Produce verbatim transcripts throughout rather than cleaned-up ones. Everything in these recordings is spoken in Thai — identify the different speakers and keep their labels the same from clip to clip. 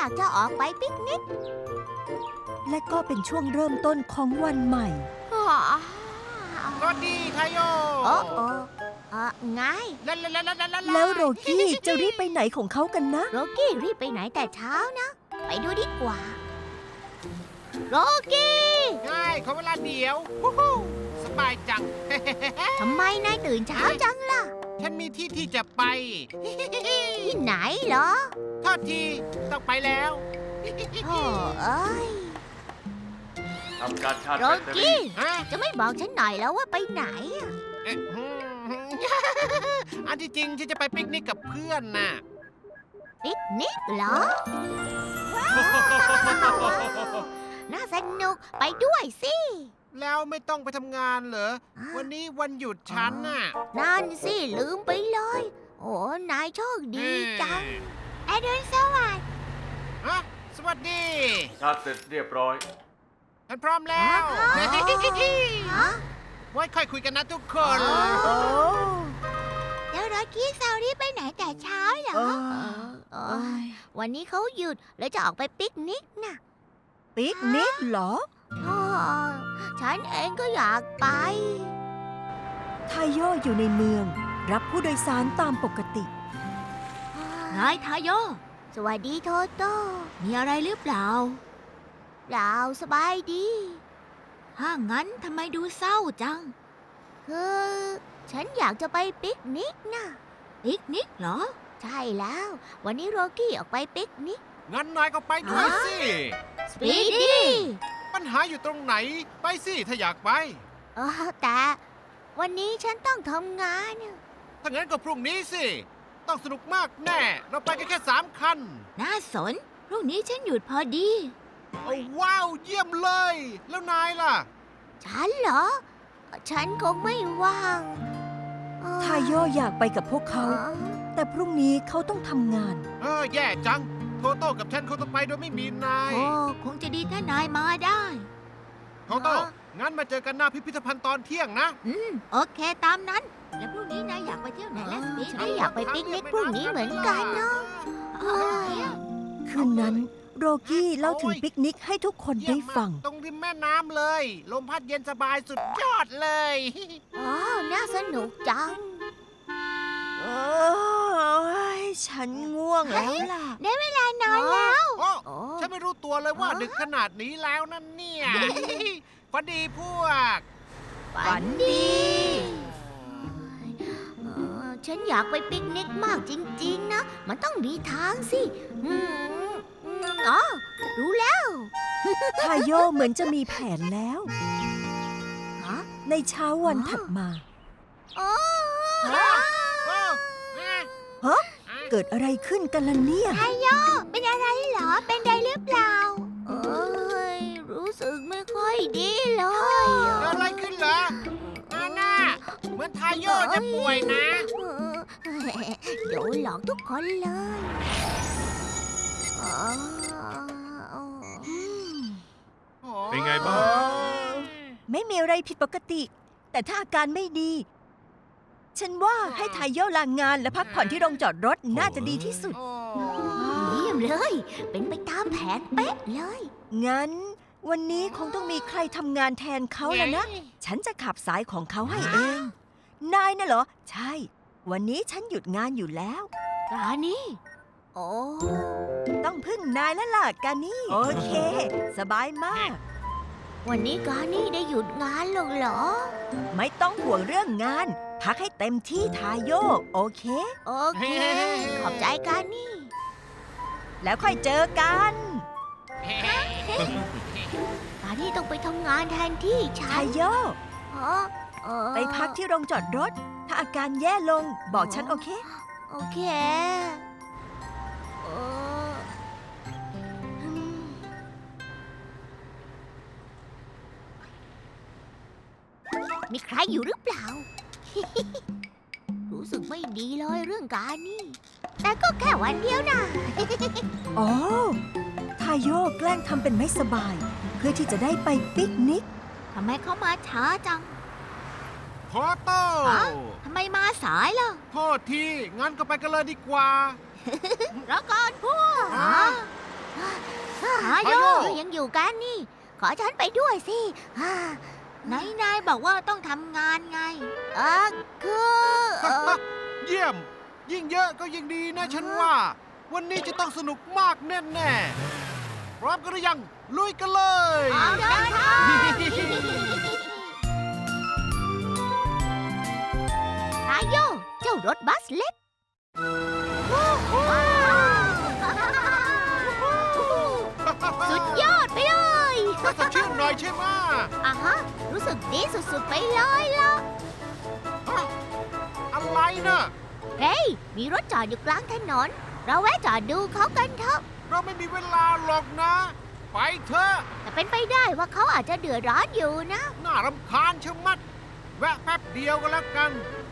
Speaker 1: ากจะออกไปปิกนิก
Speaker 2: และก็เป็นช่วงเริ่มต้นของวันใหม่
Speaker 1: อ๋อ
Speaker 3: สวัสดีไทโย
Speaker 1: โอ้โอ้เออไง
Speaker 3: ลาลาลาลาลาลา
Speaker 2: แล้วโรกี้จะรีบไปไหนของเขากันนะ
Speaker 1: โรกี้รีบไปไหนแต่เช้านะ ไปดูดีกว่า โรกี้
Speaker 3: ง่ายขอเวลาเดียวฮู้ฮู้สบายจัง
Speaker 1: ทำไมนายตื่นเช้าจังล่ะ
Speaker 3: ฉันมีที่ที่จะไป
Speaker 1: ที่ไหนเหรอ
Speaker 3: โทษทีต้องไปแล้ว
Speaker 1: โอ้เอ้ย
Speaker 4: ทำการชาร์จ
Speaker 1: โร
Speaker 4: แบตเตอรี่
Speaker 1: กี้
Speaker 3: ฮะ
Speaker 1: จะไม่บอกฉันหน่อยแล้วว่าไปไหนอะ
Speaker 3: เอ๊ะอืมอันที่จริงฉันจะไปปิกนิกกับเพื่อนน่ะ
Speaker 1: ปิกนิกเหรอ น่าสนุกไปด้วยสิ
Speaker 3: แล้วไม่ต้องไปทำงานเหรอ วันนี้วันหยุดฉันน่ะ
Speaker 1: นั่นสิลืมไปเลย โอ้นายโชคดีจังอรุณสวัสดิ์
Speaker 3: ฮะสวัสดี
Speaker 4: ชาร์จเสร็จเรียบร้อย
Speaker 3: ฉันพร้อมแล้ว
Speaker 1: ฮะ
Speaker 3: ไว้ค่อยคุยกันนะทุกคน
Speaker 2: โอ้
Speaker 1: แล้วรถกี้ซารี่ไปไหนแต่เช้าเหรอ
Speaker 2: เออ
Speaker 1: เออวันนี้เขาหยุดแล้วจะออกไปปิกนิกน่ะ
Speaker 2: ปิกนิกเหรอ
Speaker 1: อ๋อฉันเองก็อยากไป
Speaker 2: ทาโยอยู่ในเมือง รับผู้โดยสารตามปกติ
Speaker 1: นายทาโย สวัสดีโทโต้ มีอะไรหรือเปล่า เปล่าสบายดี ถ้างั้นทำไมดูเศร้าจัง คือ ฉันอยากจะไปปิกนิกนะปิกนิกเหรอ ใช่แล้ว วันนี้โรกี้ออกไปปิกนิก
Speaker 3: งั้นนายก็ไปด้วยสิ
Speaker 1: สปีดดี้
Speaker 3: ปัญหาอยู่ตรงไหน ไปสิถ้าอยากไป
Speaker 1: เออแต่วันนี้ฉันต้องทำงาน
Speaker 3: ถ้างั้นก็พรุ่งนี้สิ ต้องสนุกมากแน่ เราไปกันแค่สามคัน
Speaker 1: น่าสน พรุ่งนี้ฉันหยุดพอดี
Speaker 3: โอ้ว้าว เยี่ยมเลย แล้วนายล่ะ
Speaker 1: ฉันเหรอ ฉันคงไม่ว่างเอ่อ
Speaker 2: ทาโยอยากไปกับพวกเขา แต่พรุ่งนี้เขาต้องทำงาน
Speaker 3: เออ แย่จัง โทโต้กับฉันคงต้องไปโดยไม่มีนาย
Speaker 1: โอ้คงจะดีถ้านายมาได้
Speaker 3: โทโต้ งั้นมาเจอกันหน้าพิพิธภัณฑ์ตอนเที่ยงนะ
Speaker 1: อืม โอเคตามนั้น แล้วพรุ่งนี้นายอยากไปเที่ยวไหนและสปีดฉันอยากไปปิกนิกพรุ่งนี้เหมือนกันเนาะเอ้ย
Speaker 2: คืนนั้นโรกี้เล่าถึงปิกนิกให้ทุกคน
Speaker 3: เยี่
Speaker 2: ได้
Speaker 3: ยมมาก
Speaker 2: ฟัง
Speaker 3: ตรงริมแม่น้ำเลย ลมพัดเย็นสบายสุดยอดเลย
Speaker 1: อ๋อ น่าสนุกจัง
Speaker 2: เอ้ยฉันง่วงแล้วล่ะ
Speaker 1: ได้เวลานอนแล้ว
Speaker 3: โอ้
Speaker 1: โอ้
Speaker 3: ฉันไม่รู้ตัวเลยว่า
Speaker 1: ฮะ
Speaker 3: ดึกขนาดนี้แล้วนั่นเนี่ย ฝันดีพวก
Speaker 1: ฝันดีเอ่อฉันอยากไปปิกนิกมากจริง ๆ นะ มันต้องมีทางสิอืมอืมอ๋อ รู้แล้ว
Speaker 2: ทาโยเหมือนจะมีแผนแล้ว
Speaker 1: ฮะ
Speaker 2: ในเช้าวันถัดมา
Speaker 1: โอ้
Speaker 3: ฮะ โอ้ฮะ
Speaker 2: ฮะ เกิดอะไรขึ้นกันล่ะเนี่ย
Speaker 1: ไทโยเป็นอะไรเหรอ เป็นไรหรือเปล่า เอ้ย รู้สึกไม่ค่อยดีเลย
Speaker 3: เกิดอะไรขึ้นเหรออาน่าเหมือนทายโยจะป่วยนะ
Speaker 1: โดนหลอกทุกคนเลยอ๋ออืม
Speaker 4: เป็นไงบ้าง
Speaker 2: ไม่มีอะไรผิดปกติ แต่ถ้าอาการไม่ดี ฉันว่าให้ทายโยลางานและพักผ่อนที่โรงจอดรถน่าจะดีที่สุด
Speaker 3: โอ้
Speaker 1: เยี่ยมเลย เป็นไปตามแผนเป๊ะเลย
Speaker 2: งั้น วันนี้คงต้องมีใครทำงานแทนเขาแล้วนะ ฉันจะขับสายของเขาให้เอง นายน่ะเหรอ ใช่ วันนี้ฉันหยุดงานอยู่แล้ว
Speaker 1: กานี่ โอ้
Speaker 2: ต้องพึ่งนายแล้วล่ะกานี่ โอเค สบายมาก
Speaker 1: วันนี้กานี่ได้หยุดงานหรอกเหรอ
Speaker 2: ไม่ต้องห่วงเรื่องงาน พักให้เต็มที่ทายโยโอเค
Speaker 1: โอเค ขอบใจกานี่
Speaker 2: แล้วค่อยเจอกัน
Speaker 1: กานี่ต้องไปทำงานแทนที่ฉั
Speaker 2: ทาน ยโย
Speaker 1: อ๋อเอ่อ
Speaker 2: ไปพักที่โรงจอดรถ ถ้าอาการแย่ลงบอกฉันโอเค
Speaker 1: โอเคเอ่ออืมมีใครอยู่หรือเปล่า รู้สึกไม่ดีเลยเรื่องการนี่ แต่ก็แค่วันเดียวนะ
Speaker 2: อ๋อ ทายโยแกล้งทำเป็นไม่สบาย เพื่อที่จะได้ไปปิกนิก
Speaker 1: ทำไมเขามาช้าจัง
Speaker 3: โทโต้
Speaker 1: ฮะ ทำไมมาสายล่ะ
Speaker 3: โทษที งั้นก็ไปกันเลยดีกว่า
Speaker 1: รอก่อนพวก
Speaker 3: ฮะ
Speaker 1: ทาโย
Speaker 3: ทาโย
Speaker 1: ยังอยู่กันนี่ ขอฉันไปด้วยสิไหนนายบอกว่าต้องทำงานไงเออคือเอ่อ
Speaker 3: เยี่ยม ยิ่งเยอะก็ยิ่งดีนะฉันว่า วันนี้จะต้องสนุกมากแน่ๆพร้อมกันหรือยัง ลุยกันเลย
Speaker 1: เอาเดินทางทาโยเจ้ารถบัสเล็ก สุดยอดไปเลย
Speaker 3: ก็สดชื่นหน่อยใช่ไหม
Speaker 1: อ่ะฮะ รู้สึกดีสุดๆไปเลยล่ะ
Speaker 3: ฮะอะไรนะ
Speaker 1: เฮ้ย มีรถจอดอยู่กลางถนน เราแวะจอดดูเขากันเถอะ
Speaker 3: เราไม่มีเวลาหรอกนะ ไปเถอะ
Speaker 1: แต่เป็นไปได้ว่าเขาอาจจะเดือดร้อนอยู่นะ
Speaker 3: น่ารำคาญชะมัด แวะแป๊บเดียวก็แล้วกัน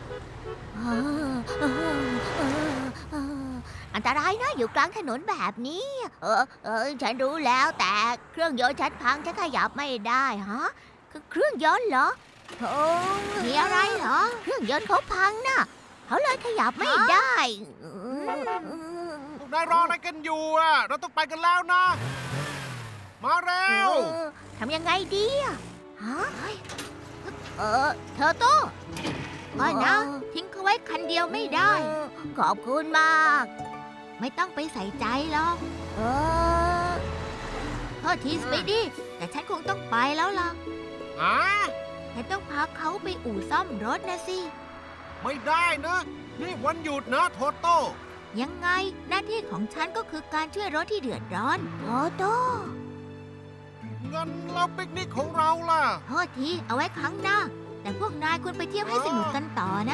Speaker 1: อันตรายนะอยู่กลางถนนแบบนี้ เออเออฉันรู้แล้วแต่เครื่องยนต์ฉันพังฉันขยับไม่ได้ฮะคือเครื่องยนต์เหรอโอ้มีอะไรเหรอ เครื่องยนต์เขาพังนะเขาเลยขยับไม่ได้
Speaker 3: พวกนายรออะไรกันอยู่อ่ะ เราต้องไปกันแล้วนะ มาเร็ว
Speaker 1: เออทำยังไงดีอะฮะเออเธอโต้ไม่นะ ทิ้งเขาไว้คันเดียวไม่ได้ ขอบคุณมาก ไม่ต้องไปใส่ใจหรอก เออโทษทีสปีดี้แต่ฉันคงต้องไปแล้วล่ะ
Speaker 3: ฮะ
Speaker 1: แต่ต้องพาเขาไปอู่ซ่อมรถนะสิ
Speaker 3: ไม่ได้นะ นี่วันหยุดนะโทโต้
Speaker 1: ยังไงหน้าที่ของฉันก็คือการช่วยรถที่เดือดร้อนโตโต้
Speaker 3: งั้นเราปิกนิกของเราล่ะ
Speaker 1: โทษทีเอาไว้ครั้งหน้า แต่พวกนายควรไปเที่ยวให้สนุกกันต่อนะ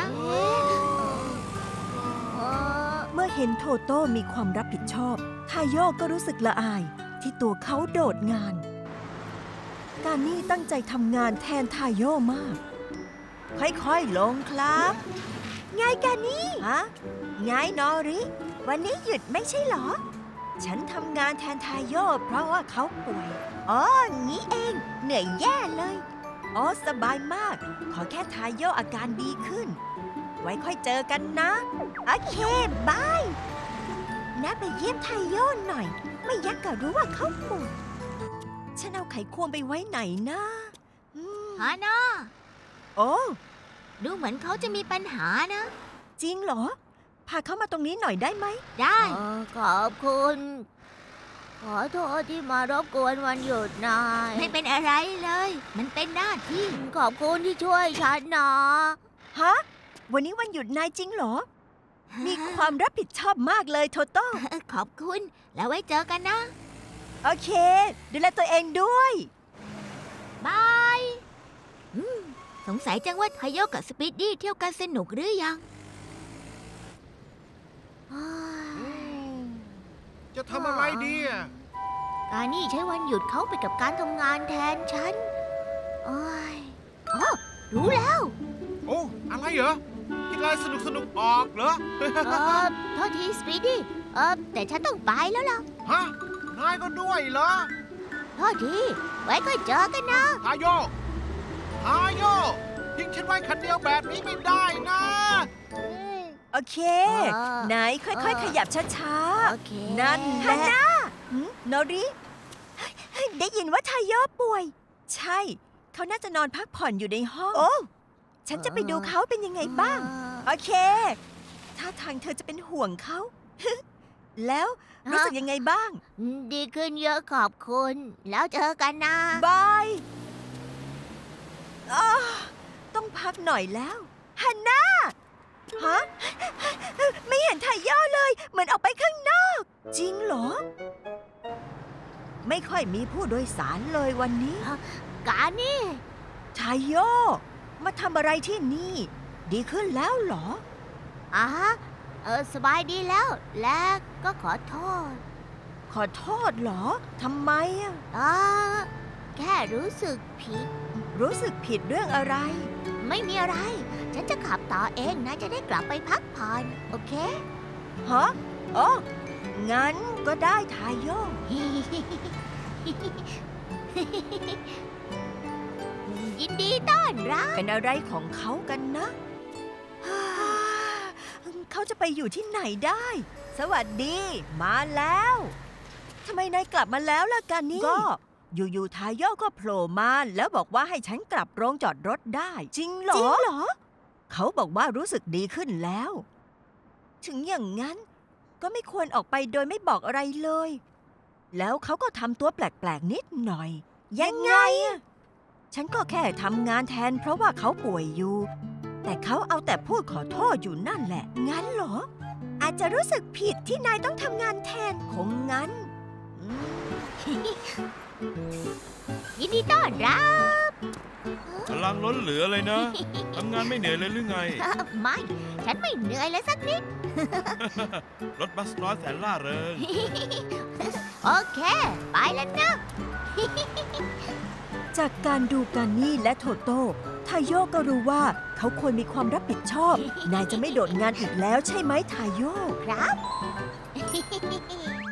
Speaker 2: เมื่อเห็นโทโต้มีความรับผิดชอบทาโยก็รู้สึกละอายที่ตัวเขาโดดงาน การนี่ตั้งใจทำงานแทนทาโยมาก ค่อยๆลงครับไงกันนี่ฮะไงนอริ วันนี้หยุดไม่ใช่เหรอ ฉันทำงานแทนทาโยเพราะว่าเขาป่วย อ๋อ งี้เอง เหนื่อยแย่เลย อ๋อ สบายมาก ขอแค่ทาโยอาการดีขึ้น ไว้ค่อยเจอกันนะ โอเค บายนะไปเยี่ยมไทโยหน่อย ไม่อยักก็รู้ว่าเขาป่วย ฉันเอาไขควงไปไว้ไหนนะอืม
Speaker 1: ฮานา
Speaker 2: โอ้
Speaker 1: ดูเหมือนเขาจะมีปัญหานะ
Speaker 2: จริงเหรอ พาเขามาตรงนี้หน่อยได้ไหม
Speaker 1: ได้ ขอบคุณ ขอโทษที่มารบกวนวันหยุดนาย ไม่เป็นอะไรเลย มันเป็นหน้าที่ ขอบคุณที่ช่วยฉันนะ
Speaker 2: ฮะ วันนี้วันหยุดนายจริงเหรอ มีความรับผิดชอบมากเลยโทโต้
Speaker 1: ขอบคุณ แล้วไว้เจอกันนะ
Speaker 2: โอเค ดูแลตัวเองด้วย
Speaker 1: บายอืมสงสัยจังว่าไทโยกับสปีดดี้เที่ยวกันสนุกหรือยัง
Speaker 3: อืมจะทำอะไรดีอ่ะ
Speaker 1: การนี่ใช้วันหยุดเขาไปกับการทำงานแทนฉันโอ้ยอ๋อรู้แล้ว
Speaker 3: โอ้ อะไรเหรอคิดอะไรสนุกสนุกๆออกเหรอ
Speaker 1: เออโทษทีสปีดดี้เออแต่ฉันต้องไปแล้วล่ะ
Speaker 3: ฮะ นายก็ด้วยเหรอ
Speaker 1: โทษที ไว้ค่อยเจอกันนะ
Speaker 3: ทาโย ทาโย ทิ้งฉันไว้คันเดียวแบบนี้ไม่ได้นะ
Speaker 2: โอเค
Speaker 1: เออ
Speaker 2: ไหนค่อย
Speaker 1: เออ
Speaker 2: ๆ ขยับช้า
Speaker 1: โอเค
Speaker 2: ๆ นั่นแหละหืมโนริเฮ้ยได้ยินว่าทายโยป่วย ใช่ เขาน่าจะนอนพักผ่อนอยู่ในห้อง โอ้ ฉันจะไปดูเขาเป็นยังไงบ้าง โอเค ถ้าทางเธอจะเป็นห่วงเขา แล้วรู้สึกยังไงบ้าง
Speaker 1: ดีขึ้นเยอะขอบคุณ แล้วเจอกันนะ
Speaker 2: บายอ้าต้องพักหน่อยแล้วฮันน่าฮะ ไม่เห็นไทย่อเลย เหมือนออกไปข้างนอก จริงเหรอ ไม่ค่อยมีผู้โดยสารเลยวันนี้
Speaker 1: การนี่
Speaker 2: ไทโยมาทำอะไรที่นี่ ดีขึ้นแล้วเหรอ
Speaker 1: อ่ะฮะเออสบายดีแล้ว และก็ขอโทษ
Speaker 2: ขอโทษเหรอทำไมอะ
Speaker 1: เออแค่รู้สึกผิด
Speaker 2: รู้สึกผิดเรื่องอะไร
Speaker 1: ไม่มีอะไร ฉันจะขับต่อเองนะ จะได้กลับไปพักผ่อน โอเค
Speaker 2: ฮะอ๋องั้นก็ได้ทายโย
Speaker 1: ยินดีต้อนรับ
Speaker 2: เป็นอะไรของเขากันนะ เขาจะไปอยู่ที่ไหนได้ สวัสดี มาแล้วทำไมนายกลับมาแล้วล่ะกันนี่ ก็อยู่ๆทาโยก็โผล่มาแล้วบอกว่าให้ฉันกลับโรงจอดรถได้ จริงเหรอ จริงเหรอ เขาบอกว่ารู้สึกดีขึ้นแล้ว ถึงอย่างนั้น ก็ไม่ควรออกไปโดยไม่บอกอะไรเลย แล้วเขาก็ทำตัวแปลกๆนิดหน่อย ยังไงอะฉันก็แค่ทำงานแทนเพราะว่าเขาป่วยอยู่ แต่เขาเอาแต่พูดขอโทษอยู่นั่นแหละ งั้นเหรอ อาจจะรู้สึกผิดที่นายต้องทำงานแทนคงงั้น
Speaker 1: ยินดีต้อนรับ
Speaker 5: พลังล้นเหลือเลยนะ ทำงานไม่เหนื่อยเลยหรือไง
Speaker 1: ไม่ ฉันไม่เหนื่อยเลยสักนิด
Speaker 5: รถบัสน้อยแสนล่าเริง
Speaker 1: โอเค ไปแล้วนะ
Speaker 2: จากการดูการนี่และโทโต้ทาโยก็รู้ว่าเขาควรมีความรับผิดชอบ นายจะไม่โดดงานอีกแล้วใช่ไหมทาโย
Speaker 1: ครับ